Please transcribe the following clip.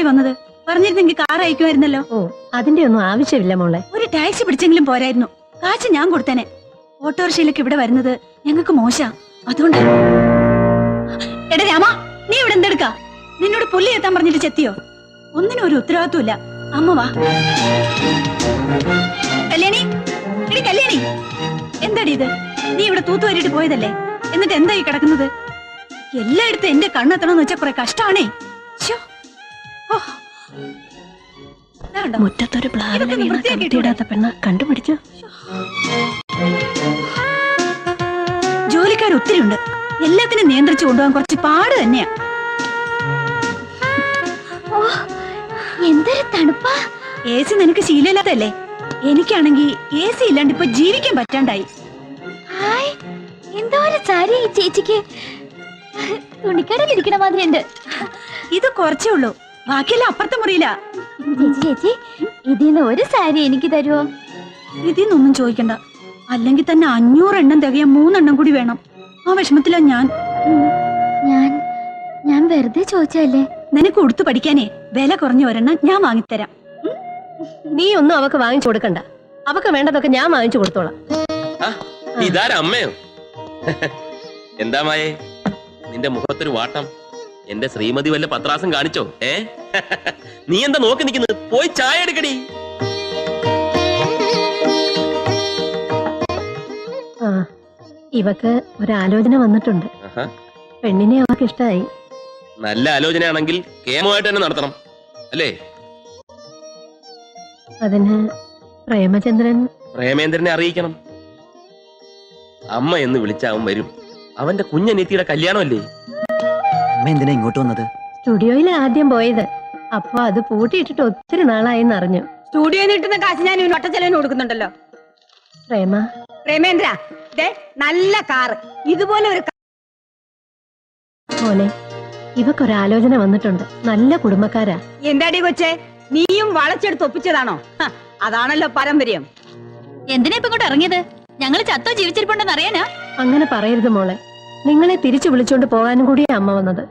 വന്നത്? പറഞ്ഞിരുന്നെങ്കിൽ കാർ അയക്കുമായിരുന്നല്ലോ. ഓ, അതിന്റെ ഒന്നും ആവശ്യമില്ല മോളെ. ഒരു ടാക്സി പിടിച്ചെങ്കിലും പോരായിരുന്നു. കാശ് ഞാൻ കൊടുത്തേനെ. ഓട്ടോറിക്ഷയിലേക്ക് ഇവിടെ വരുന്നത് ഞങ്ങൾക്ക് മോശ. അതുകൊണ്ട് എടാ രാമ, നീ ഇവിടെ എന്തെടുക്ക? നിന്നോട് പുല്ലി എത്താൻ പറഞ്ഞിട്ട് ചെത്തിയോ? ഒന്നിനും ഒരു ഉത്തരവാദിത്വമില്ല. അമ്മ വാ. കല്യാണി, എടി കല്യാണി, എന്താടി ഇത്? നീ ഇവിടെ തൂത്തുവരിട്ട് പോയതല്ലേ? എന്നിട്ട് എന്തായി കിടക്കുന്നത്? എല്ലായിടത്തും എന്റെ കണ്ണെത്തണമെന്ന് വെച്ചാൽ കുറെ കഷ്ടാണേ. മുറ്റത്തൊരു പ്ലാവിനെ വീണാത്ത പെണ്ണ കണ്ടുപിടിച്ചു. ജോലിക്കാർ ഒത്തിരി ഉണ്ട്. എല്ലാത്തിനും നിയന്ത്രിച്ചു കൊണ്ടുപോകാൻ കുറച്ച് പാട് തന്നെയാ. എന്തൊരു തണുപ്പാ! എ സി നിനക്ക് ശീലമില്ലാത്തല്ലേ? എനിക്കാണെങ്കി എ സി ഇല്ലാണ്ട് ഇപ്പൊ ജീവിക്കാൻ പറ്റാണ്ടായി. എന്തോ ഒരു സാരി ഈ ചേച്ചിക്ക് തുണിക്കടയിൽ ഇരിക്കണ മാതിരി ഉണ്ട്. ഇത് കുറച്ചേ ഉള്ളൂ, ബാക്കിയെല്ലാം അപ്പുറത്തെ മുറിയില്ല. ചേച്ചി, ഇതിന്ന് ഒരു സാരി എനിക്ക് തരുമോ? ഇതിന്നൊന്നും ചോദിക്കണ്ട. അല്ലെങ്കിൽ തന്നെ 500 എണ്ണം തികയാൻ 3 എണ്ണം കൂടി വേണം. ആ വിഷമത്തിലാ ഞാൻ. ഞാൻ വെറുതെ ചോദിച്ചല്ലേ. നിനക്ക് ഉടുത്തു പഠിക്കാനേ വില കുറഞ്ഞ ഒരെണ്ണം ഞാൻ വാങ്ങിത്തരാം. നീ ഒന്നും അവക്ക് വാങ്ങിച്ചു കൊടുക്കണ്ട. അവക്ക് വേണ്ടതൊക്കെ ഞാൻ വാങ്ങിച്ചു കൊടുത്തോളാം. ഇതാരമ്മയോ? എന്താ മായേ നിന്റെ മുഖത്തൊരു വാട്ടം? എന്റെ ശ്രീമതി വല്ല പത്രാസം കാണിച്ചോ? നീ എന്താ നോക്കി നിൽക്കുന്നത്? പോയി ചായ എടുക്കടി. ഇവക്ക് ഒരാലോചന വന്നിട്ടുണ്ട്. പെണ്ണിനെ അവക്ക് ഇഷ്ടായി. നല്ല ആലോചനയാണെങ്കിൽ കേമമായിട്ട് തന്നെ നടത്തണം അല്ലേ? അതിന് പ്രേമേന്ദ്രനെ അറിയിക്കണം. അമ്മ എന്ന് വിളിച്ചാവൻ വരും. അവന്റെ കുഞ്ഞനീത്തിയുടെ കല്യാണമല്ലേ? അമ്മ എന്തിനാ ഇങ്ങോട്ട് വന്നത്? സ്റ്റുഡിയോയിൽ ആദ്യം പോയത്. അപ്പൊ അത് പൂട്ടിയിട്ടിട്ട് ഒത്തിരി നാളായെന്ന് അറിഞ്ഞു. സ്റ്റുഡിയോയിൽ കിട്ടുന്ന കാശ് ഞാൻ ഒറ്റച്ചെലവിന് കൊടുക്കുന്നുണ്ടല്ലോ. പ്രേമേന്ദ്ര, നല്ല കാറ്, ഇതുപോലെ ഒരു മോനെ, ഇവക്കൊരാലോചന വന്നിട്ടുണ്ട്. നല്ല കുടുംബക്കാരാ. എന്താടി കൊച്ചേ, നീയും വളച്ചെടുത്ത് ഒപ്പിച്ചതാണോ? അതാണല്ലോ പാരമ്പര്യം. എന്തിനാ ഇപ്പൊ ഇങ്ങോട്ട് ഇറങ്ങിയത്? ഞങ്ങള് ചത്തോ ജീവിച്ചിരിപ്പുണ്ടെന്ന് അറിയാനാ? അങ്ങനെ പറയരുത് മോളെ. നിങ്ങളെ തിരിച്ചു വിളിച്ചോണ്ട് പോകാനും കൂടിയാ അമ്മ വന്നത്.